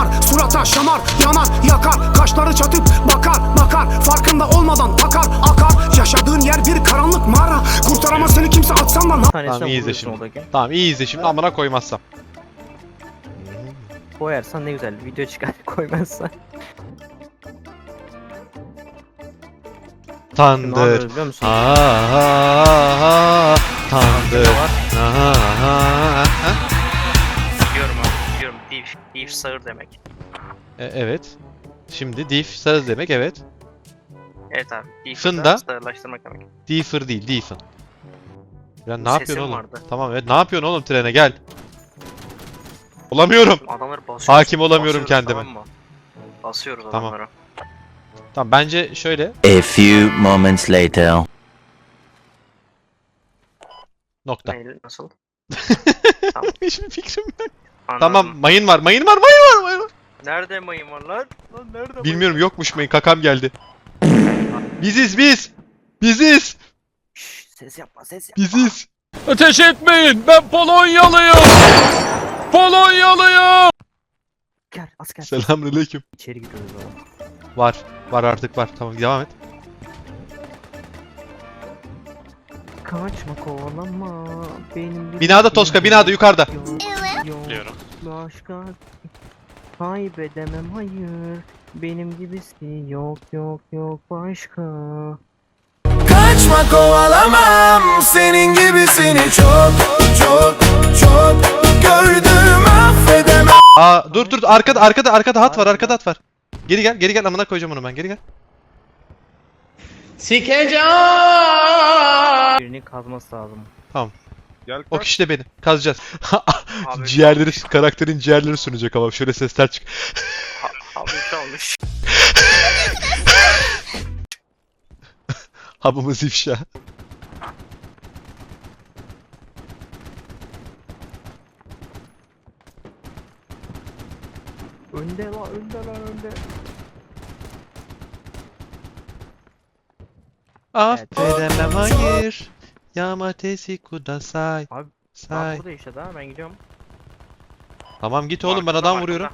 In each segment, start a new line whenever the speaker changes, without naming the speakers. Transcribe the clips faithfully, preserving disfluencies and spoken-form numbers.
damar, surata şamar, yanar, yakar, kaşları çatıp bakar, bakar, farkında olmadan takar, akar. Yaşadığın yer bir karanlık mağara, kurtaramaz seni kimse atsan da.
Tamam iyi izle şimdi. Tamam iyi izle şimdi, amına koymazsam.
Koyarsan ne güzel video çıkar, koymazsan.
Tandır.
Biliyor musun?
Ha ha ha. Tandır. Ha ha ha.
Biliyorum abi, biliyorum. Div, div sağır demek.
E, evet. Şimdi diff sarı demek, evet.
Evet abi, div
Fında.
sağırlaştırmak demek.
Differ değil, differ. Ya ne
Sesim
yapıyorsun oğlum?
vardı.
Tamam evet, ne yapıyorsun oğlum, trene gel. Olamıyorum.
Adamları basıyoruz.
Hakim olamıyorum
basıyoruz,
kendime.
Tamam mı? Basıyoruz
Tamam.
adamları.
Tamam bence şöyle.
A few moments later.
Nokta.
Neyle, nasıl?
Hiçbir fikrim yok.
Anladım.
Tamam, mayın var, mayın var, mayın var, mayın var.
Nerede mayın var lan? Lan nerede
Bilmiyorum, yokmuş mayın, kakam geldi. Biziz biz. Biziz.
Şşş, ses yapma, ses yapma.
Biziz.
Ateş etmeyin, ben Polonyalıyım. Polonyalıyım.
Gel, asker.
Selamünaleyküm.
İçeri giriyoruz oğlum.
Var. Var artık var. Tamam devam et.
Kaçma, kovalama. Benim
Binada Toska, binada yukarıda.
Biliyorum.
Başka kaybedemem, hayır. Benim gibisi yok yok yok başka.
Kaçma, kovalamam senin gibisini, çok çok çok gördüm, affedemem.
Aa dur dur, arkada arkada arkada hat var, arkada hat var. Geri gel, geri gel, amına koyacağım onu ben. Geri gel.
Birini kazması lazım.
Tamam.
Gel
O kişi de benim. Kazacağız.
Abi,
ciğerleri, karakterin ciğerleri sunacak ama şöyle sesler çık.
Abi olmuş.
Habımız ifşa.
Önde la, önde la, önde.
Affedemem, hayır. Yamatesi kudasai.
Abi,
Say.
Bak burada işte daha, ben gidiyorum.
Tamam git oğlum, ben
Markında,
adam
markında.
vuruyorum.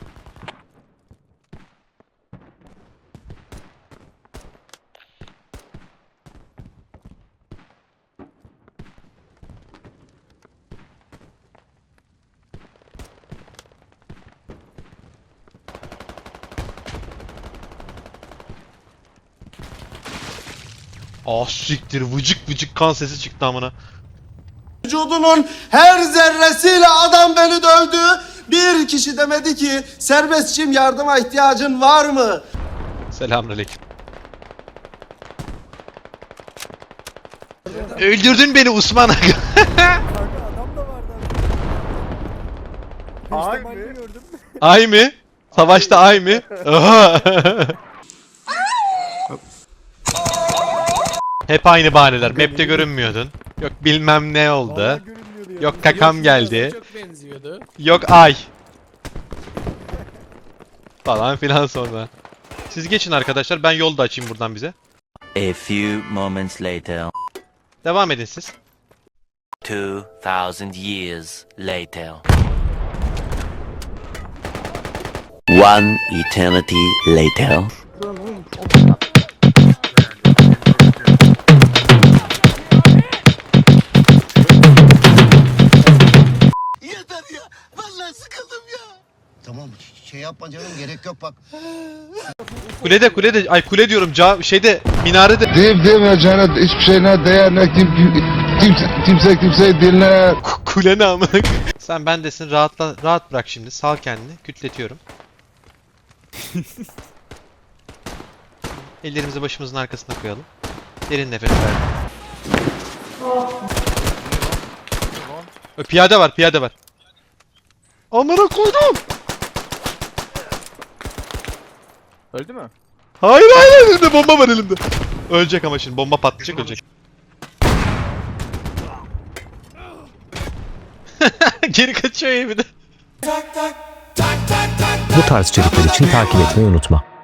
Ah siktir, vıcık vıcık kan sesi çıktı amına.
Vücudunun her zerresiyle adam beni dövdü. Bir kişi demedi ki serbestçiyim, yardıma ihtiyacın var mı?
Selamünaleyküm. Öldürdün beni Osman Aga.
Ay mı?
Ay mı? Savaşta ay mı? Oha. Hep aynı bahaneler. Map'te görünmüyordun. Yok bilmem ne oldu. Yok kakam geldi. Yok ay. Falan filan sonra. Siz geçin arkadaşlar, ben yolda açayım buradan bize.
A few moments later.
Devam edin siz.
Two thousand years later. One eternity later.
Yeter ya, vallahi sıkıldım ya. Tamam, şey yapma canım, gerek yok bak.
Kulede kulede ay kule diyorum, ca şeyde minarede.
Deyip demeyeceğine hiçbir şeyine değer ne kim, kimse, kimse kimseyi dinler.
Ku- Kule ne amına? Sen bendesin, rahatla, rahat bırak şimdi, sal kendini, kütletiyorum. Ellerimizi başımızın arkasına koyalım. Derin nefes ver. Ö, Piyade var, piyade var. Amına koydum.
Öldü mü?
Hayır hayır, elimde bomba var elimde. Ölecek ama şimdi, bomba patlayacak, ölecek. Geri kaçıyor ya bir de.
Bu tarz içerikler için takip etmeyi unutma.